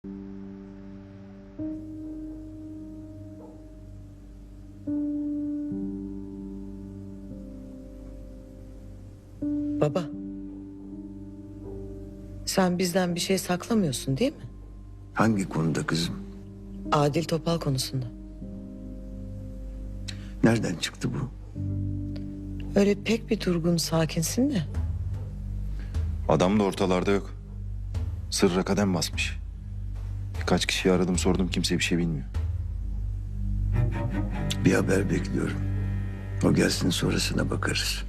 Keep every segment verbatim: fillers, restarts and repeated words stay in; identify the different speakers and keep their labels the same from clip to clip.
Speaker 1: Baba. Sen bizden bir şey saklamıyorsun değil mi?
Speaker 2: Hangi konuda kızım?
Speaker 1: Adil Topal konusunda.
Speaker 2: Nereden çıktı bu?
Speaker 1: Öyle pek bir durgun, sakinsin de.
Speaker 3: Adam da ortalarda yok. Sırra kadem basmış. Birkaç kişiyi aradım sordum, kimse bir şey bilmiyor.
Speaker 2: Bir haber bekliyorum. O gelsin, sonrasına bakarız.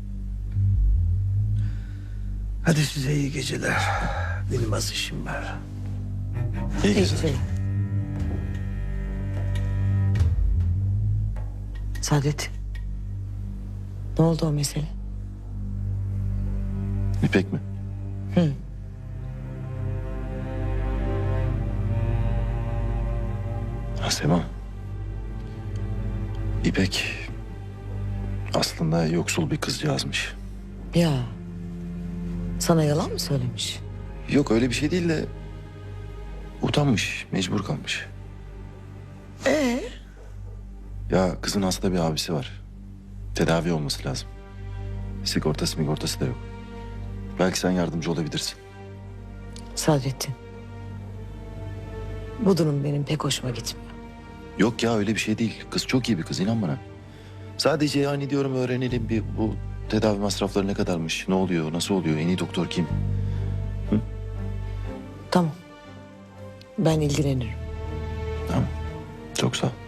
Speaker 2: Hadi size iyi geceler. Benim az işim var.
Speaker 3: İyi
Speaker 1: İyi
Speaker 3: geceler.
Speaker 1: geceler. Saadet. Ne oldu o mesele?
Speaker 3: İpek mi?
Speaker 1: Hı.
Speaker 3: Ha, Sema. İpek aslında yoksul bir kızcağızmış.
Speaker 1: Ya. Sana yalan mı söylemiş?
Speaker 3: Yok öyle bir şey değil de utanmış, mecbur kalmış.
Speaker 1: Ee?
Speaker 3: Ya kızın hasta bir abisi var. Tedavi olması lazım. Sigortası migortası da yok. Belki sen yardımcı olabilirsin.
Speaker 1: Sadrettin. Bu durum benim pek hoşuma gitmiyor.
Speaker 3: Yok ya öyle bir şey değil. Kız çok iyi bir kız, inan bana. Sadece yani diyorum öğrenelim bir bu tedavi masrafları ne kadarmış, ne oluyor, nasıl oluyor, en iyi doktor kim?
Speaker 1: Tamam. Ben ilgilenirim.
Speaker 3: Tamam. Çok sağ ol.